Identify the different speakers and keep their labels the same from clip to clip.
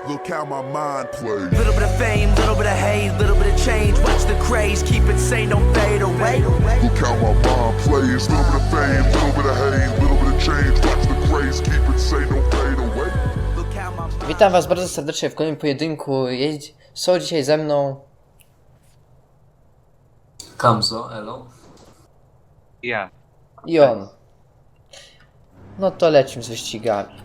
Speaker 1: Look how my mind plays.
Speaker 2: Little bit of fame, little bit of hate, little bit of change. Watch the craze, keep it sane, don't fade away.
Speaker 1: Look how my mind plays. Little bit of fame, little bit of hate, little bit of change. Watch the craze, keep it sane, don't fade away.
Speaker 2: Look how my mind.
Speaker 3: Witam was bardzo serdecznie w kolejnym pojedynku. Są dzisiaj ze mną
Speaker 4: Kamzo, elo.
Speaker 5: Ja.
Speaker 3: i on. No to lecimy z wyścigami.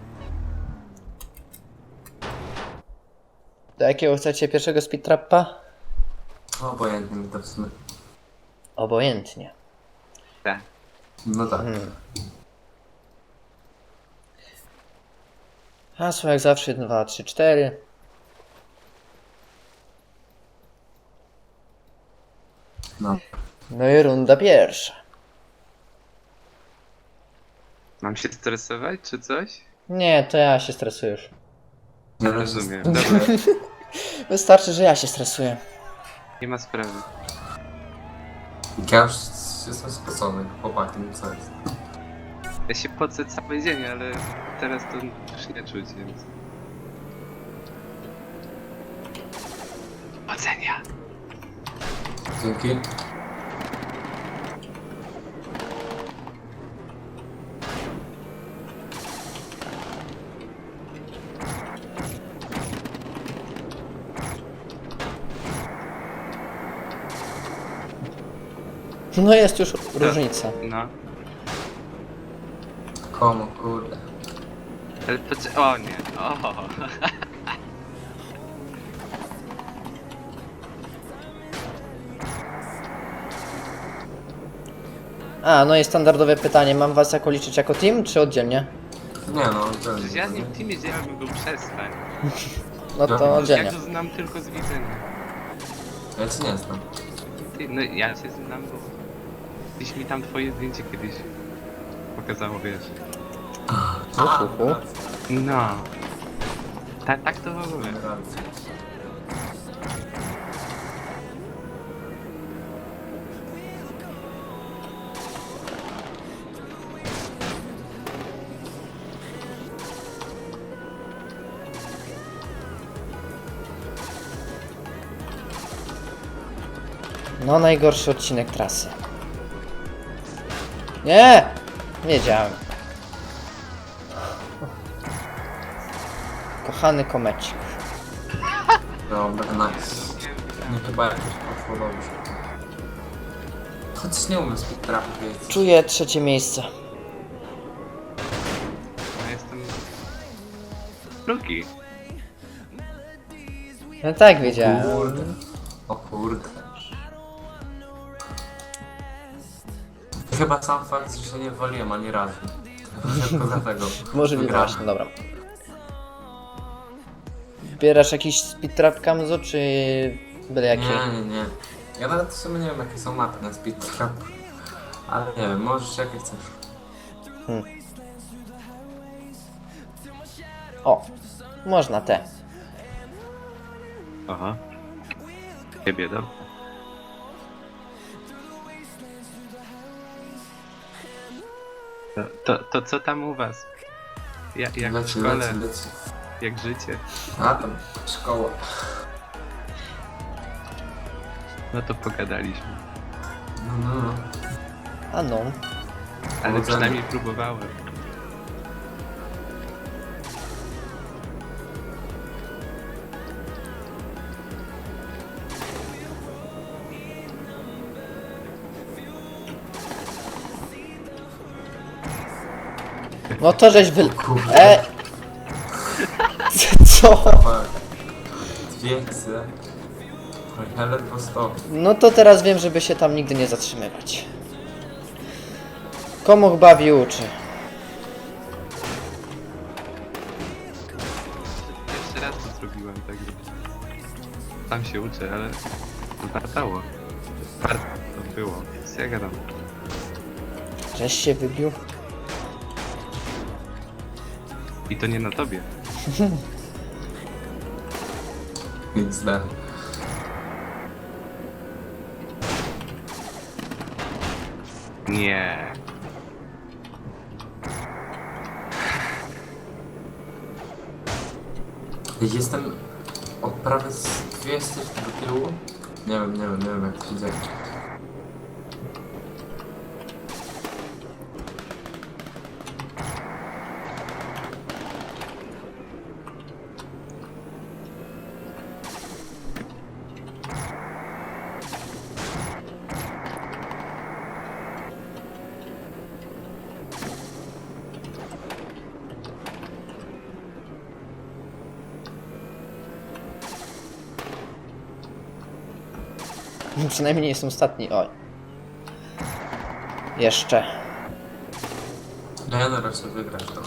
Speaker 3: Do jakiego chcecie pierwszego speedtrappa?
Speaker 4: Obojętnie mi to w sumie.
Speaker 3: Obojętnie.
Speaker 5: Tak.
Speaker 4: No tak.
Speaker 3: Hasło jak zawsze 1, 2, 3, 4.
Speaker 4: No.
Speaker 3: No i runda pierwsza.
Speaker 5: Mam się stresować czy coś?
Speaker 3: Nie, to ja się stresuję już.
Speaker 4: Nie
Speaker 5: Rozumiem.
Speaker 4: rozumiem.
Speaker 5: Dobra,
Speaker 3: Wystarczy, że ja się stresuję.
Speaker 5: nie ma sprawy.
Speaker 4: Ja już jestem spocony, chłopaki, no co jest?
Speaker 5: Ja się pocę cały dzień, ale teraz to już nie czuć, więc... Ocenia!
Speaker 4: Dzięki.
Speaker 3: No jest już różnica.
Speaker 5: No.
Speaker 4: Komu, kurde.
Speaker 5: Ale o nie, o.
Speaker 3: A, no i standardowe pytanie. Mam was jako liczyć jako team, czy oddzielnie?
Speaker 4: Nie no, to
Speaker 5: Przecież ja z nim w teamie działałem, go przestań.
Speaker 3: No to
Speaker 4: Ja
Speaker 5: Ja
Speaker 3: oddzielnie.
Speaker 5: go znam tylko z widzenia.
Speaker 4: Ja cię nie znam.
Speaker 5: Ty, no ja cię znam, bo... Gdzieś mi tam twoje zdjęcie kiedyś pokazało, wiesz.
Speaker 3: Uhuhu.
Speaker 5: No. Tak to w ogóle.
Speaker 4: Racja.
Speaker 3: No najgorszy odcinek trasy. Nie! Wiedziałem. Kochany komecik.
Speaker 4: Dobra, nice. Nie chyba jakoś poszło dobrze. Chociaż nie umiem speedtrapu wiedzieć.
Speaker 3: Czuję trzecie miejsce.
Speaker 5: Ja jestem... Drugi.
Speaker 3: No tak wiedziałem.
Speaker 4: Kurde. O kurde. Chyba sam fakt, że się nie waliłem ani razu. Tylko dlatego.
Speaker 3: Może nie
Speaker 4: wygrałem.
Speaker 3: właśnie, dobra. Wybierasz jakiś speedtrap Kamzo, czy byle jaki?
Speaker 4: Nie. Ja nawet w sumie nie wiem jakie są mapy na speedtrap. Ale nie wiem, możesz jakie chcesz.
Speaker 3: O, można te.
Speaker 5: Aha. Nie bieda. To co tam u was? Jak w
Speaker 4: Leci,
Speaker 5: szkole?
Speaker 4: leci.
Speaker 5: Jak życie?
Speaker 4: A tam, szkoła.
Speaker 5: No to pogadaliśmy.
Speaker 4: No.
Speaker 3: A no.
Speaker 5: Ale
Speaker 4: Powodzenia.
Speaker 5: przynajmniej próbowałem.
Speaker 3: No to żeś wy...
Speaker 4: Kurde.
Speaker 3: Co?
Speaker 4: Fuck. 200. Ja ledwo 100.
Speaker 3: No to teraz wiem, żeby się tam nigdy nie zatrzymywać. Komu bawi uczy.
Speaker 5: Jeszcze raz to zrobiłem, także... Tam się uczę, ale... Wartało. Warto to było. Co ja gadam?
Speaker 3: Żeś się wybił.
Speaker 5: I to nie na tobie.
Speaker 4: XD.
Speaker 5: Nie.
Speaker 4: Jestem od prawie z 200 do tyłu. Nie wiem jak to się dzieje.
Speaker 3: Przynajmniej nie jestem ostatni. Oj. Jeszcze.
Speaker 4: No ja na razie wygrać to.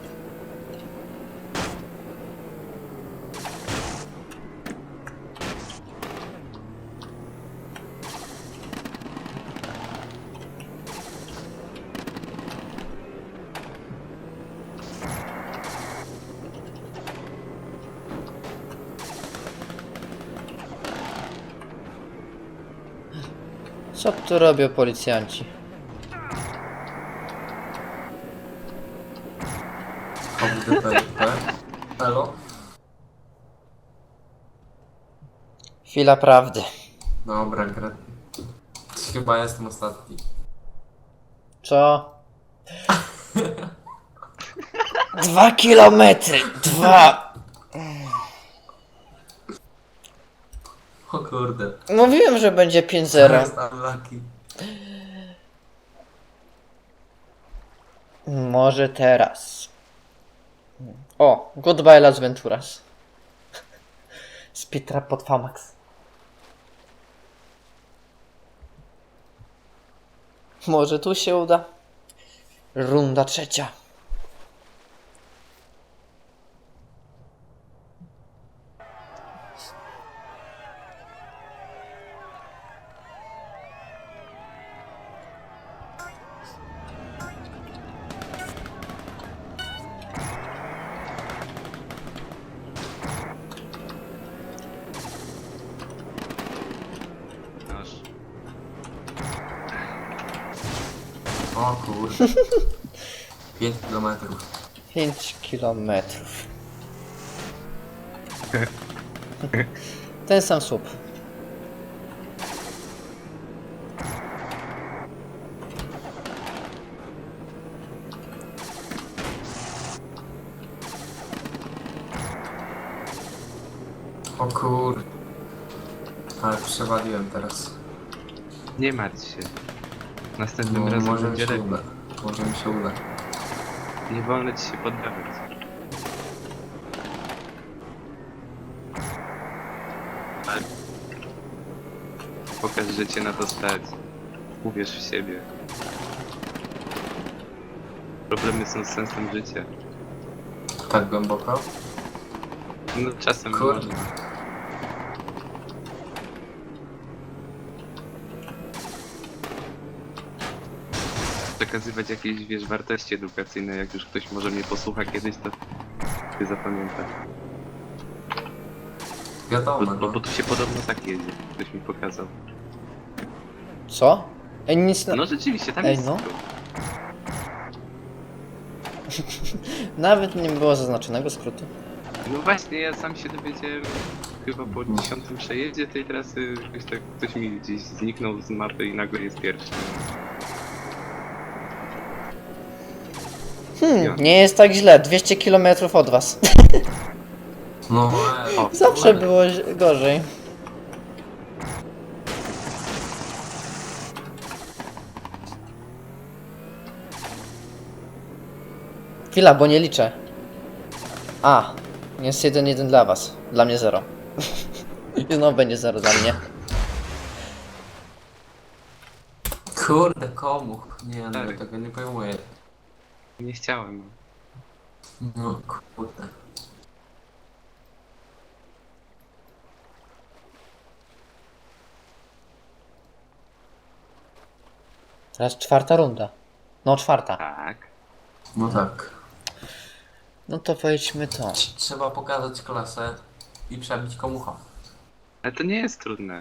Speaker 3: Co tu robią policjanci?
Speaker 4: OWDP. Elo?
Speaker 3: Chwila prawdy.
Speaker 4: Dobra, gra. Chyba jestem ostatni.
Speaker 3: Co? 2 kilometry! 2!
Speaker 4: O kurde.
Speaker 3: Mówiłem, że będzie 5-0.
Speaker 4: Jest unlucky.
Speaker 3: Może teraz. O, goodbye Las Venturas. Speedtrap pod Famax. Może tu się uda. Runda trzecia.
Speaker 5: Noż.
Speaker 4: O kurde. 5 kilometrów.
Speaker 3: 5 kilometrów. Ten sam słup.
Speaker 4: O kurde. Ale przewaliłem teraz.
Speaker 5: Nie martw się. Następnym
Speaker 4: No,
Speaker 5: razem
Speaker 4: może mi
Speaker 5: będzie
Speaker 4: się
Speaker 5: lepiej.
Speaker 4: uda. Może mi się uda.
Speaker 5: Nie wolno ci się poddawać. Ale... Pokaż, że cię na to stać. Uwierz w siebie. Problemy są sensem życia.
Speaker 4: Tak głęboko?
Speaker 5: No czasem
Speaker 4: Kurde.
Speaker 5: można. Przekazywać jakieś, wiesz, wartości edukacyjne, jak już ktoś może mnie posłucha kiedyś, to się zapamięta.
Speaker 4: Wiadomo,
Speaker 5: Bo tu się podobno tak jedzie, ktoś mi pokazał.
Speaker 3: Co? Ej, nic na...
Speaker 5: No rzeczywiście, tam
Speaker 3: Ej,
Speaker 5: jest
Speaker 3: no.
Speaker 5: skrót.
Speaker 3: Nawet nie było zaznaczonego skrótu.
Speaker 5: No właśnie, ja sam się dowiedziałem chyba po 10 przejeździe tej trasy, jakoś tak ktoś mi gdzieś zniknął z mapy i nagle jest pierwszy.
Speaker 3: Nie jest tak źle. 200 km od was.
Speaker 4: No,
Speaker 5: O,
Speaker 3: Zawsze było gorzej. Chwila, bo nie liczę. A, jest 1-1 dla was. Dla mnie 0. I znowu będzie 0 dla mnie.
Speaker 4: kurde, komu? Nie, no
Speaker 5: Tak.
Speaker 4: ja tego nie pojmuję.
Speaker 5: nie chciałem.
Speaker 4: No kurde.
Speaker 3: Teraz 4. runda. No 4.
Speaker 5: Tak.
Speaker 4: No tak.
Speaker 3: No to pojedźmy to.
Speaker 4: Trzeba pokazać klasę i przebić komucha.
Speaker 5: Ale to nie jest trudne.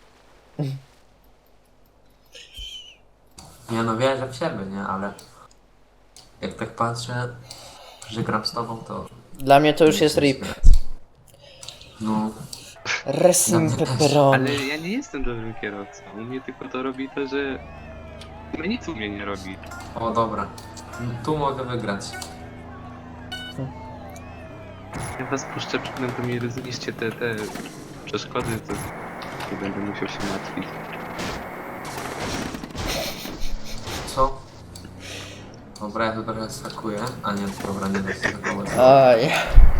Speaker 4: Nie no, wierzę w siebie, nie? Ale jak tak patrzę, że gram z tobą, to...
Speaker 3: Dla mnie to już jest RIP.
Speaker 4: No.
Speaker 3: Resim pepperoni.
Speaker 5: Ale ja nie jestem dobrym kierowcą. U mnie tylko to robi to, że... No nic u mnie nie robi.
Speaker 4: O, dobra. Tu mogę wygrać.
Speaker 5: Ja was puszczę przykładem, to mi zniszcie te przeszkody, to nie będę musiał się martwić.
Speaker 4: Co? Dobra, ja to trochę skakuję. A nie, dobra, nie da się skakować.
Speaker 3: Aj.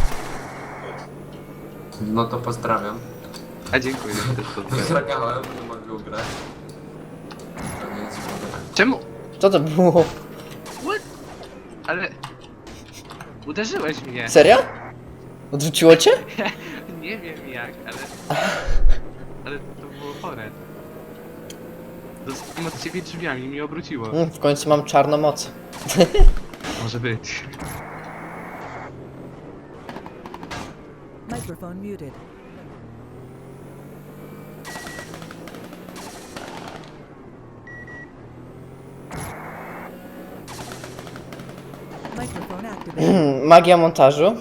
Speaker 4: No to pozdrawiam.
Speaker 5: A dziękuję też pozdrawiam.
Speaker 4: Wygrałem, to mogę ugrać. To nie jest źle.
Speaker 5: Czemu?
Speaker 3: Co to było?
Speaker 5: Ale... Uderzyłeś mnie.
Speaker 3: Serio? Odrzuciło cię?
Speaker 5: Nie wiem jak, ale to było chore. Dostałem od ciebie drzwiami i mi obróciło.
Speaker 3: W końcu mam czarną moc.
Speaker 5: Może być.
Speaker 6: Microphone muted. Microphone activated.
Speaker 3: Magia montażu.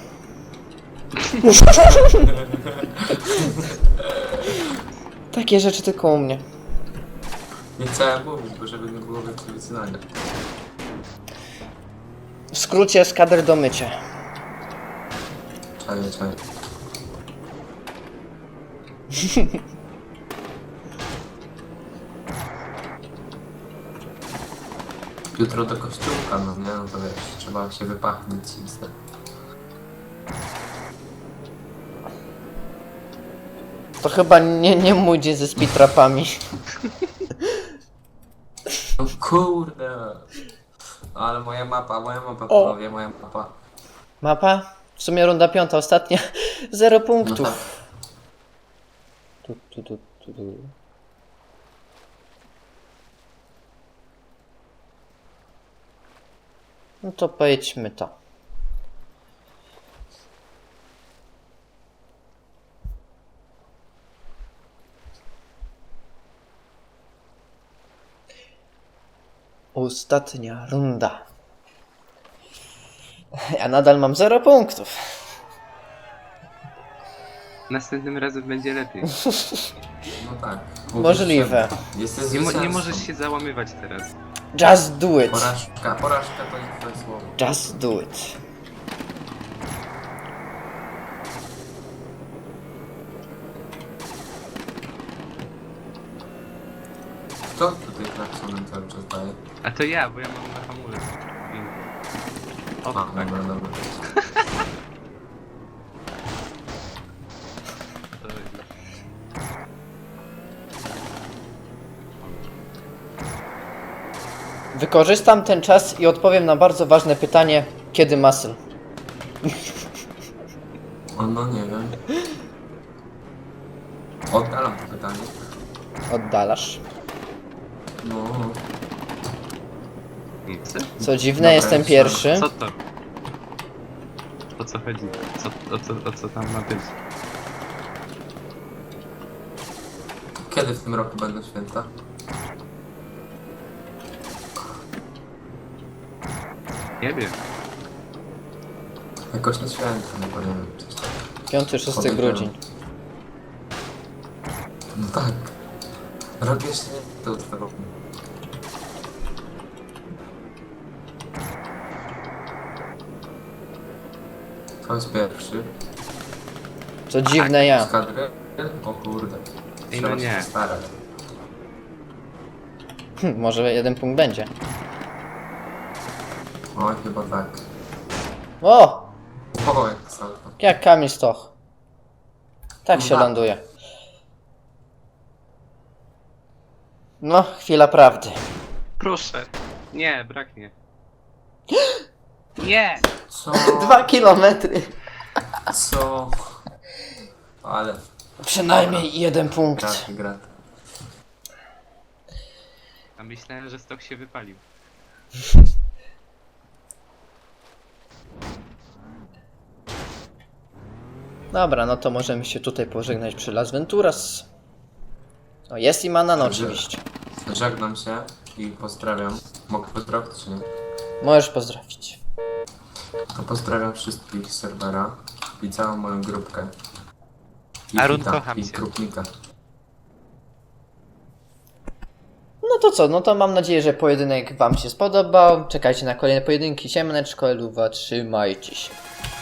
Speaker 3: Takie rzeczy tylko u mnie.
Speaker 4: Nie chciałem mówić, bo żeby nie było więcej wycinania.
Speaker 3: W skrócie skader do mycia.
Speaker 4: Czaję. Jutro do kościółka, no nie? No to wiesz, trzeba się wypachnąć i wstać.
Speaker 3: To chyba nie mój dzień ze speedtrapami.
Speaker 4: No kurde! Ale moja mapa,
Speaker 3: O.
Speaker 4: panowie, moja mapa.
Speaker 3: Mapa? W sumie runda 5, ostatnia. 0
Speaker 4: No
Speaker 3: punktów.
Speaker 4: tak.
Speaker 3: Tu. No to pojedźmy to. Ostatnia runda. Ja nadal mam 0 punktów.
Speaker 5: Następnym razem będzie lepiej.
Speaker 4: No tak.
Speaker 3: Możliwe.
Speaker 4: Jesteś
Speaker 5: Nie
Speaker 4: zwycięzcą.
Speaker 5: możesz się załamywać teraz.
Speaker 3: Just do it.
Speaker 4: Porażka to jest twoje słowo.
Speaker 3: Just do it.
Speaker 4: Kto tutaj klaksonem cały czas daje?
Speaker 5: A to ja, bo ja mam na hamulec. O,
Speaker 4: A,
Speaker 5: tak.
Speaker 4: dobra.
Speaker 5: To już.
Speaker 3: Wykorzystam ten czas i odpowiem na bardzo ważne pytanie, kiedy muscle?
Speaker 4: O, no nie wiem. Oddalam to pytanie.
Speaker 3: Oddalasz.
Speaker 4: No.
Speaker 5: Nic.
Speaker 3: Co dziwne,
Speaker 4: Dobra,
Speaker 3: jestem
Speaker 4: jest
Speaker 3: pierwszy.
Speaker 5: Co to? O co chodzi? O co tam ma być?
Speaker 4: Kiedy w tym roku będą święta?
Speaker 5: Nie wiem.
Speaker 4: Jakoś na święta, no bo nie wiem. Coś tam.
Speaker 3: 5-6 grudzień.
Speaker 4: No tak. Rok jeszcze nie to trwa roku. To jest pierwszy.
Speaker 3: Co dziwne, ja.
Speaker 4: Z kadry? O kurde.
Speaker 5: Ej, no
Speaker 4: Trzeba
Speaker 5: nie.
Speaker 4: się starać.
Speaker 3: Może 1 punkt będzie.
Speaker 4: Oj, chyba tak.
Speaker 3: O!
Speaker 4: O, jak salto.
Speaker 3: Jak Kamil Stoch. Tak się
Speaker 4: Aha.
Speaker 3: ląduje. No, chwila prawdy.
Speaker 5: Proszę. Nie, braknie. Nie!
Speaker 4: Co?
Speaker 3: 2 kilometry.
Speaker 4: Co? Ale
Speaker 3: Przynajmniej 1 punkt.
Speaker 4: gra.
Speaker 5: A myślałem, że stok się wypalił.
Speaker 3: Dobra, no to możemy się tutaj pożegnać przy Las Venturas. O, jest i Manan oczywiście.
Speaker 4: Żegnam się i pozdrawiam. Mogę pozdrowić czy nie?
Speaker 3: Możesz pozdrowić.
Speaker 4: To pozdrawiam wszystkich z serwera i całą moją grupkę.
Speaker 5: Arun,
Speaker 4: hita
Speaker 5: kocham
Speaker 4: i
Speaker 5: cię.
Speaker 4: krupnika.
Speaker 3: No to co, no to mam nadzieję, że pojedynek wam się spodobał. Czekajcie na kolejne pojedynki. Siemaneczko, Eluwa, trzymajcie się.